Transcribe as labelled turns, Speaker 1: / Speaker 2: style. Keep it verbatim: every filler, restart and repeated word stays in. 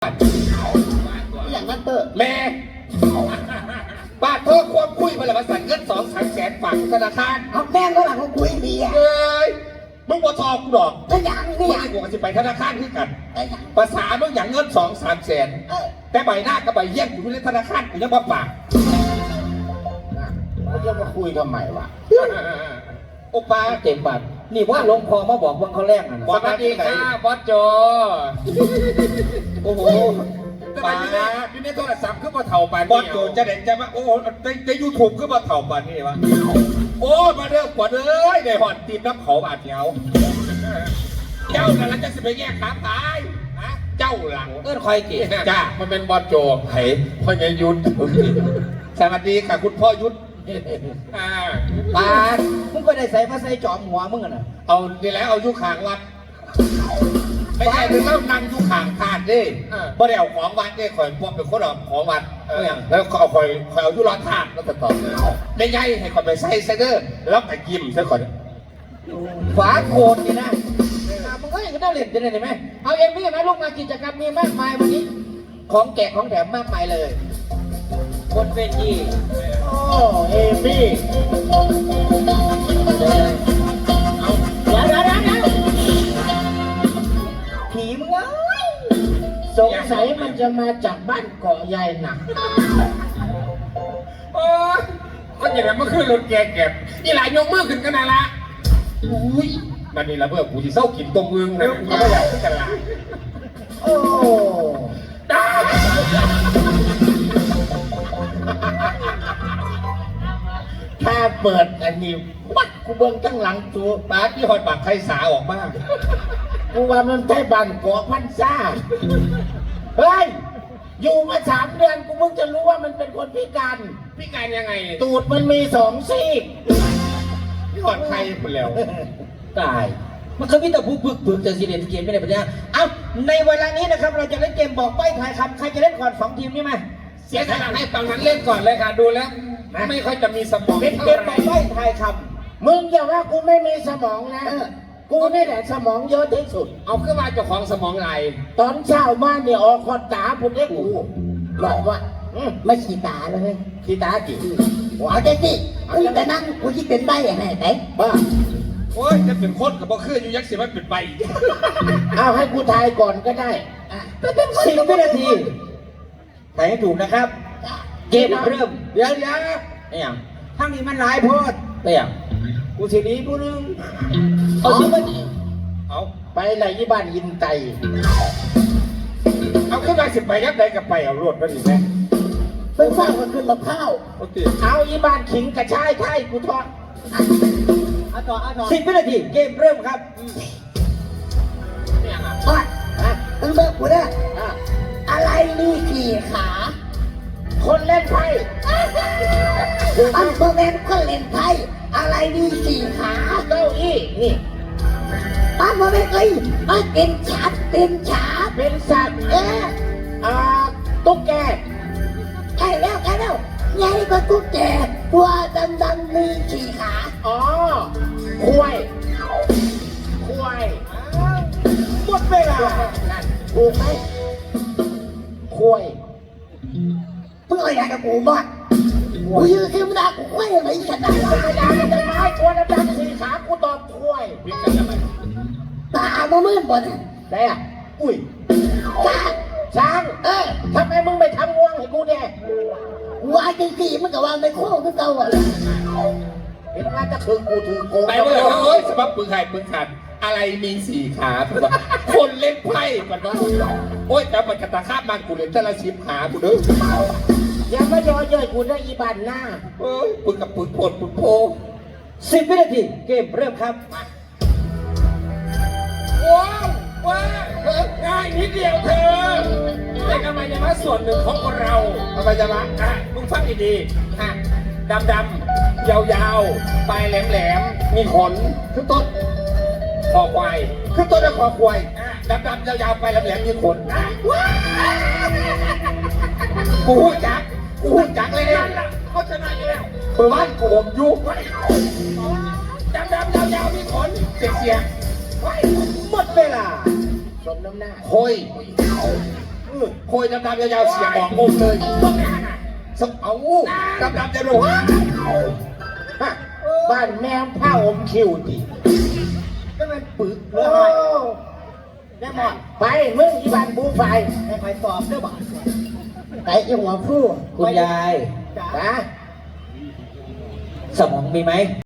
Speaker 1: ท
Speaker 2: อย่างนั้นเตอร์
Speaker 1: แม่บาทเธอควบคุยมาแล้วมาสั่งเงินสองสามแสนฝากธนาคาร
Speaker 2: เอาแม่งก็หลังของคุยดีอ่ะ
Speaker 1: เอ้ยมึงบ่ทอกูดอก
Speaker 2: ก็อย่าง
Speaker 1: กู
Speaker 2: นี่อ
Speaker 1: ไม่
Speaker 2: ย่าง
Speaker 1: กูจะไปธนาคารคือกัน
Speaker 2: ก็อย่าง
Speaker 1: ภาษามึงอย่างเงินสองสามแสนแต่ใบหน้ากับใบเยี่ยมอยู่ในธนาคารกูยังมาฝาก
Speaker 2: เขาจะมาคุยทำไมวะ
Speaker 1: โอปา
Speaker 3: เต็มบัตรนี่ว่าหลวงพ่อมาบอกว่าเขาแรกนะ
Speaker 1: สวัสดีค่ะบอสโจ
Speaker 3: โอ้โห
Speaker 1: ปาอยู่ในโทรศัพท์ขึ้นมาเถ่าปานบอสโจจะเด่นจะมาโอ้ในในยูทูบขึ้นมาเถ่าปานนี่วะโอ้มาเริ่มกว่าเลยในหอดตีมน้ำเขาบาดเดียวเจ้านั่นจะสิไปแยกขาตายเจ้าหลัง
Speaker 3: เอิ้นคอยกี่
Speaker 1: จ้ามันเป็นบอสโจไผ่พ่อใหญ่ยุทธสวัสดีค่ะคุณพ่อยุทธ
Speaker 3: ปาดมึงก็ได้ใส่มาใส่จอมหัวมึงน่ะ
Speaker 1: เอาดีแล้วเอายุขางวัดไม่ใช่ถึงแล้วนั่งยุขางทานดิเพราะเดี๋ยวของวัดเนี่ยคอยพวกเป็นคนเอาของวัดแล้วเขาเอาคอยคอยเอายุร้อนทานแล้วก็ต่อไม่ใช่ให้คอยไปใส่เซเดอร์แล้วไปกิมซะก่อน
Speaker 3: ฝาโคตรนี่นะมึงก็ยังได้เล่นจะได้ไหมเอาเอ็มวี่มาลูกมากิจกรรมมีมากมายวันนี้ของแจกของแถมมากมายเลยคนเวที
Speaker 2: โอ้เอมี่
Speaker 3: เอาเดี๋ยวเดี๋ยวเดี๋ยวผีมึงเอ้ย
Speaker 2: สงสัยมันจะมาจากบ้านเกาะใหญ่หนัก
Speaker 1: โอ้ยก็อย่างนั้นเมื่อคืนรถแกเก็บนี่หลายยกมือขึ้นกันนะละอุ้ยมันนี่ละเพื่อกูที่เศร้ากินตรงเมืองเลยกูไม่อยากที่จะละ
Speaker 2: โอ้ถ้าเปิดอันนี้วัดกูเบิ้งตั้งหลังตัว
Speaker 1: ปาที่หอยปากไข่สาออกมาก
Speaker 2: กูว่ามันใช่บ้านเกาะพันซ่าเฮ้ยอยู่มาสามเดือนกูเพิ่งจะรู้ว่ามันเป็นคนพิการ
Speaker 1: พิการยังไง
Speaker 2: ตูดมันมีสองซี่
Speaker 1: ที่หอยไข่หมดแล้ว
Speaker 3: ตายมันเคยมีแต่ผู้บึกบึกแต่สิเล่นเกมไม่ได้ปัญญาเอาในเวลานี้นะครับเราจะเล่นเกมบอกใบ้ทายคำใครจะเล่นก่อนสองทีมนี่ไหม
Speaker 1: เสียสละให้ฝั่งนั้นเล่นก่อนเลยค่ะดูแล้วไม่ค่อยจะมีสมอง
Speaker 3: เล่นเกมบอกใบ้ทายค
Speaker 2: ำมึงอย่าว่ากูไม่มีสมองนะกูนี่แหละสมองเยอะที่สุด
Speaker 1: เอาขึ้นมาเจ้าของสมองไหล
Speaker 2: ตอนเช้ามาเนี่ยออกคอนตาผมได้กูบอกว่าไม่ขีตาเลยขีตาจีหัวเจ๊จีแต่นั่งกูคิดเป็นใบอะไรไหนบ้า
Speaker 1: โอ้ยจะเป็นคนกับบ่คืออยู่ยักษ์เสียมันเป็นใบ
Speaker 2: เอาให้กูทายก่อนก็ได้
Speaker 3: สิบวินาทีทายให้ถูกนะครับเกมเริ่ม
Speaker 2: เดี๋ยวเดี๋ยว
Speaker 3: ไอ้ยังทั้งนี้มันหลายโพดไอ้ยังกูสีนี้ผู้นึง
Speaker 2: เอาสิมัน
Speaker 1: เอา
Speaker 2: ไปไหนยี่บ้านยินไต
Speaker 1: เอาขึ้นมาสิบไปยักษ์ใดกับไปเอารวดไปดิแม่
Speaker 2: ไปฟังมันขึ้นมะพร้าวเอายี่บ้านขิงกระชายไทยกูทอด
Speaker 3: เอาต่อเอาต่อสิบวินาทีเกมเริ่มครับ
Speaker 2: อ่ะมึงเบิกกูได้อะไรมีกี่ขาคนเล่นไพ่อันโมเมนต์คนเล่นไพ่อะไรมีสี่ขาเก้าอี้นี่อันโมเมนต์เอ้ยมันเป็นฉาบเป็นฉาบเป็นสัตว์เอ๊ะอ่าตุ๊กแกใกล้แล้วใกล้แล้วใหญ่กว่าตุ๊กแกตัวดำๆมีสี่ขาอ๋อควายควายหมดเวลาถูกไหมควายเพื่ออะไรกับกูบ้างกูยืนขึ้นมากูควายอะไรขนาดนั้นไม่ได้ไม่ได้ตัวดำๆสี่ขากูตอบควายตาโมมืดหมดได้อ่ะอุ้ยช้างช้างเออทำไมมึงไม่ทำงวงให้กูเนี่ยว่าจริงๆมันก็ว่าไม่โค้งก็เก่าอ่ะเห็นว่าจะคือกูถือโกง
Speaker 1: ไปเลยโอ้ยสำหรับปืนไข่ปืนขันอะไรมีสี่ขาคนเล่นไพ่กันวะโอ้ยแต่มันกระตาคาบมันกูเลยแต่ละชิมขากูเด้อ
Speaker 2: อย่ามาย่อเย้ยกูได้อีบันหน้า
Speaker 1: เอ้ยปืนกับปืนโผล่ปืนโพ
Speaker 3: สิบวินาทีเกมเริ่มครับ
Speaker 1: ว้าวว้าวง่ายนิดเดียวเธอแต่ทำไมยังมาส่วนหนึ่งของคนเราทำไมจะมาอ่ะมึงฟังดีๆฮะดำดำยาวๆปลายแหลมๆมีขนคือต้นคอควายคือต้นและคอควายดำดำยาวๆปลายแหลมๆมีขนกูหูจักกูหูจักเลยเนี่ยเขาชนะอยู่แล้วบ้านกูผมยุบดำดำยาวๆมีขนเสียง
Speaker 3: หมดเวลา
Speaker 2: สมน้ำหน้า
Speaker 1: โอย
Speaker 3: โคยดำๆยาวๆเสียงบอกงงเลย
Speaker 1: พวกนี้น่ะ
Speaker 3: สมเอาดำๆจะรู้ฮะบ้านแมวผ้าอมคิวดิก็มันปึกเลยแน่หมดไปมึงอีบ้านบูไฟให้ใครตอบเด้อบ่ไอ้หัวผู้คุณยายนะสมองมีไหม